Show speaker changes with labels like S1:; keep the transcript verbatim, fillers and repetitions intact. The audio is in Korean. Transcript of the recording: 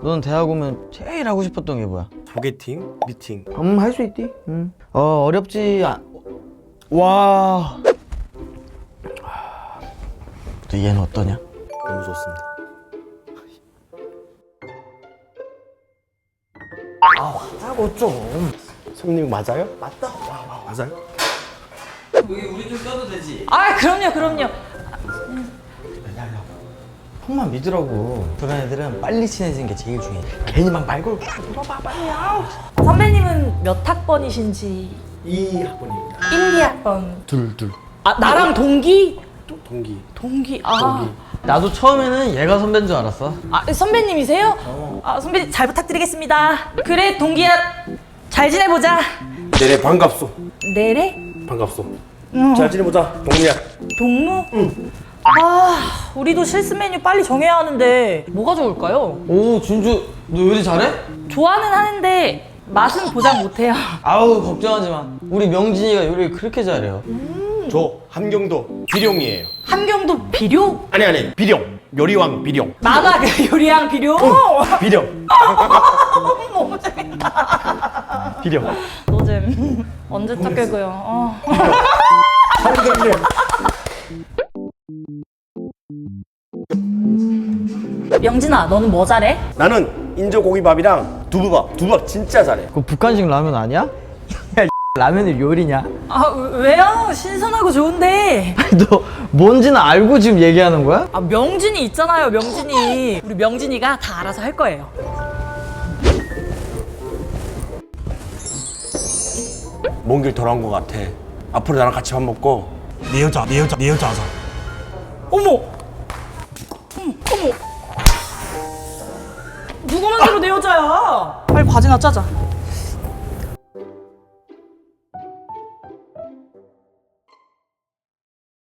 S1: 넌 대학 오면 제일 하고 싶었던 게 뭐야?
S2: 소개팅? 미팅.
S1: 음, 할 수 있디? 음. 어, 어렵지. 아... 와. 또 얘는 어떠냐?
S2: 너무 좋습니다.
S1: 아, 맞다고 좀.
S2: 손님 맞아요? 맞다. 맞아요?
S1: 우리 우리 좀 껴도 되지?
S3: 아, 그럼요, 그럼요.
S1: 형만 믿으라고. 그런 애들은 빨리 친해지는 게 제일 중요해. 괜히 막 말 걸고 물어봐 빨리. 아우.
S3: 선배님은 몇 학번이신지?
S2: 이 학번입니다.
S3: 일, 이 학번.
S2: 둘, 둘.
S3: 아, 나랑 동기?
S2: 동기.
S3: 동기. 아,
S2: 동기.
S1: 나도 처음에는 얘가 선배인 줄 알았어.
S3: 아 선배님이세요?
S1: 어.
S3: 아, 선배님 잘 부탁드리겠습니다. 그래, 동기야. 잘 지내보자.
S2: 내래 반갑소.
S3: 내래?
S2: 반갑소.
S3: 응.
S2: 잘 지내보자. 동리야.
S3: 동무? 응. 아, 우리도 실습 메뉴 빨리 정해야 하는데 뭐가 좋을까요?
S1: 오, 준주, 너 요리 잘해?
S3: 좋아는 하는데 맛은 보장 못해요.
S1: 아우, 걱정하지 마. 우리 명진이가 요리 그렇게 잘해요.
S2: 저 함경도 비룡이에요.
S3: 함경도 비료?
S2: 아니 아니 비룡. 요리왕 비룡.
S3: 나가 그 요리왕 비료?
S2: 비룡.
S3: 너무 재밌다.
S2: 비룡.
S3: 노잼. 언제 적 깨고요. 어.
S2: 함경님.
S3: 명진아, 너는 뭐 잘해?
S2: 나는 인조고기밥이랑 두부밥. 두부밥 진짜 잘해.
S1: 그거 북한식 라면 아니야? 야, 라면이 요리냐?
S3: 아, 왜요? 신선하고 좋은데.
S1: 아니, 너 뭔지는 알고 지금 얘기하는 거야?
S3: 아, 명진이 있잖아요, 명진이. 우리 명진이가 다 알아서 할 거예요.
S2: 먼 길 돌아온 것 같아. 앞으로 나랑 같이 밥 먹고 내 여자, 내 여자, 내 여자 하자.
S3: 어머! 어머, 어머! 누가 만들어 내 여자야? 빨리 과제나 짜자.